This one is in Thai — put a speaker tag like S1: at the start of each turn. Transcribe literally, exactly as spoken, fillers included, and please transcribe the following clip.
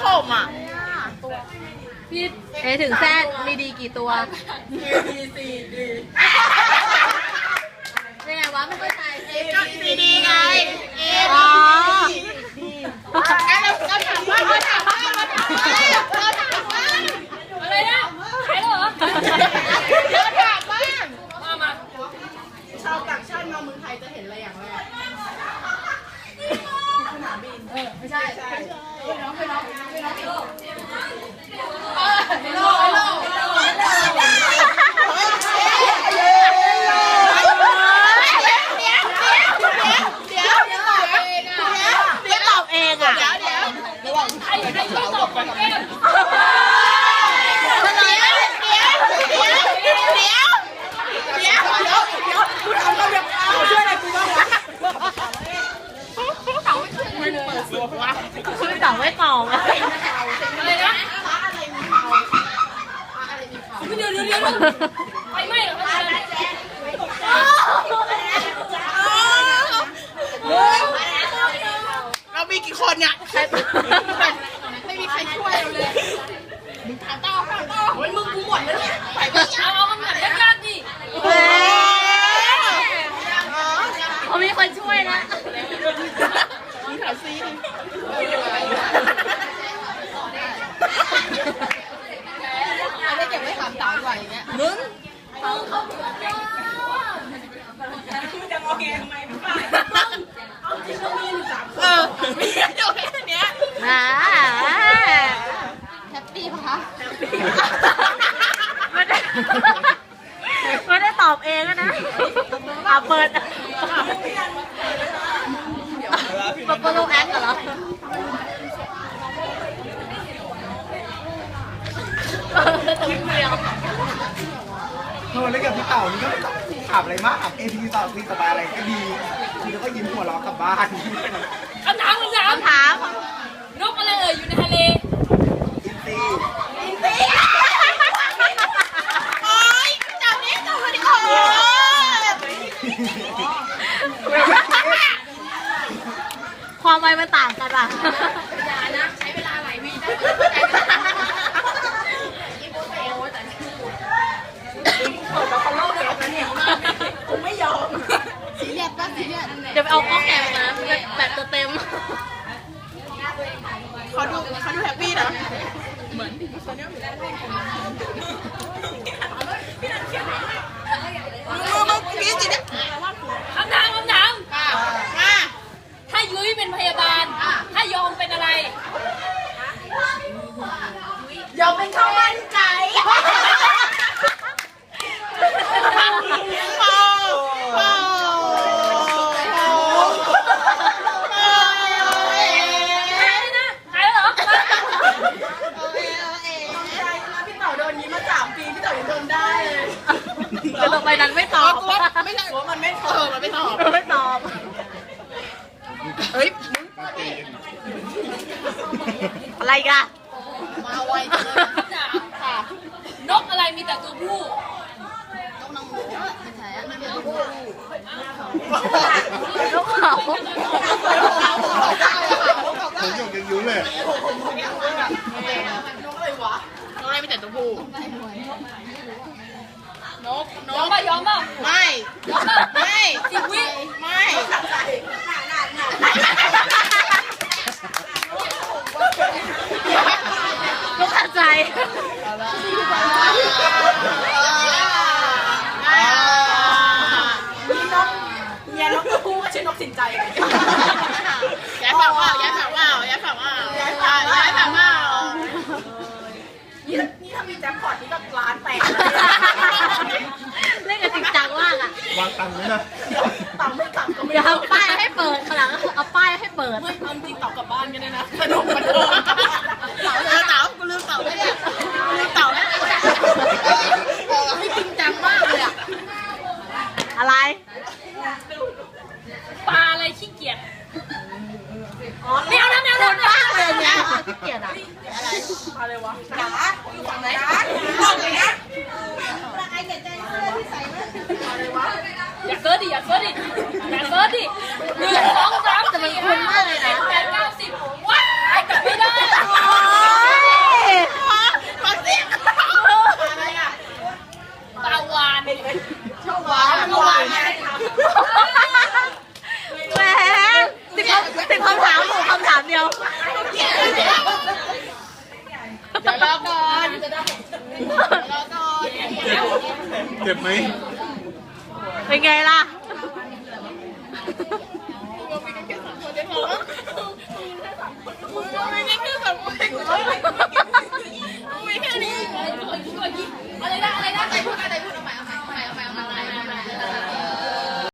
S1: ข่มอ่ะ
S2: พี่เอถึงแซดมีดีกี่ตัว
S1: ดีซีดี
S2: ยังไงวะไม่เข้าใจเอ
S1: ก็ซีดีไงเอ
S2: อ๋อ
S1: เราเราถามว่าเราถามว่าเราถามว่าเราถามว่า
S3: อะไรนะใครเหรอ
S1: เราถามบ้าง
S3: มามา
S1: ชาวต่างชาติมาเมืองไทยจะเห็นอะไรอย่างแรกสนามบินเออไม่ใช่ใช่ไปน้องไปน้องไปน้องโลกโลกโลก
S3: ใครใครที่ตอบก่อนแก้ม
S2: คือต่างไม่ตอบอะ
S3: อะไรนะเดี๋ยวเดี๋ยวเดี๋ยวไปไม่หรอ
S1: เรามีกี่คนเนี่ยไม่มีใครช่วยเราเลยมึงถามต่อถามต่อโอ้ยมึงกูหมดแล้วเนี่ยไปไป
S3: เอาเอาคำถามยากๆดิ
S2: เขามีคนช่วยนะ
S1: มึงถามซีเอาได้เก็บไว้ถามต่อดีกว่าอย่างเงี้ยมึงเออมีอยู่แค่เนี้ย
S2: อ่า
S1: แฮปปี้ปะคะ
S2: ไม่ได้ไม่ได้ตอบเองนะอ่ะเปิดปะปะโลแอคเหรอคลิปเดียว
S4: เออเล่นกับพี่เต่านี่ก็ไม่ต้องถามอะไรมากถามเอพีต่อพี่สบายอะไรก็ดีคือแล้วก็ยิ้มหัวเราะกลับบ้าน
S3: คำถามคำถาม
S2: คำถาม
S3: นกอะไรเอ่ยอยู่ในทะเล
S4: อินซี
S1: อินซีโอ๊ยจับนี้จับมาดิโอ้
S2: ความไวมันต่างกันป่ะ
S3: อย่านะใช้เวลาหลายวิได้
S1: กูไม่ยอมสีเรียดป่ะสีเรียด
S2: เดี๋ยวไปเอาข้อแกะมาแบบตัวเต็ม
S1: เขาดูเขาดูแฮปปี้นะเหมือนมึงมึงกินสิเนี่ย
S3: คำถามคำถาม
S1: มา
S3: ถ้ายุ้ยเป็นพยาบาลถ้ายอมเป็นอะไร
S1: ยอมเป็นข้าวมันไก่
S2: แต่ต่อไปนั้นไม่ตอบ
S1: ไม่ใช่ว่ามันไม่เออมันไม่ตอบ
S2: ไม่ตอบ
S1: เฮ้ย
S2: อะไรกัน
S1: มาไวจังเลยค่ะ
S3: นกอะไรมีแต่ตัวผู้
S1: นกนางหมูไม่ใช่อะนกผู้
S2: นกเขา
S4: ผมยังยังยุ่งเลย
S1: นกอะไรวะนกอะไรมีแต่ตัวผู้นกน
S3: ยอม
S1: ก
S3: ป่ะยอมป่ะ
S1: ไม่
S3: ยอมป่ะ
S1: ไม่
S3: สิบวิ
S1: ไม่
S2: ลูกขัดใจ
S1: มีนกเมียนกตัวผู้ก็ชื่อนกสินใจย้ายฝั่งว่าย้ายฝั่งว่าย้ายฝั่งว่าย้ายฝั่งย้ายฝั่งว่านี่นี่ถ้ามีแจ็คพอตนี่ก็ร้านแตก
S2: เล่นกันจริงจังมากอ่ะ
S4: วางตังค์เลยนะ
S1: ตังไม่กลับก็ไม่
S2: เดี๋ยวเอาป้ายให้เปิดข้างหลังเอาป้ายให้เปิด
S1: ไม่ความจริงต่อกลับบ้านกันเลยนะสนุกมันเถอะเต่าเต่ากูลืมเต่าได้เนี่ยลืมเต่าได้ไม่จริงจังมากเลยอะ
S2: อะไร
S3: ปลาอะไรขี้เกียจ
S2: ไม่เอานะไม่เอานะบ้าเลยเนี่ยขี้เกียจอ่ะ
S1: อะไรอะไรวะจ๋าอยู่ฝั่งไหนจ๋าบอกเลยนะละไอเก็บใจเสื้อที่ใส่ไหมอะไรวะ
S3: อย่าเซิร์ชดิอย่าเซิร์ชดิอย่าเซิร์ชดิหนึ่งสองสามสี่ห้าหกเจ็ดแปดเก้าสิบว้ายกลับไม่ได้
S5: เจ็บไหม
S2: เป็นไงล่ะ
S1: มึงไม่ได้แค่สามคน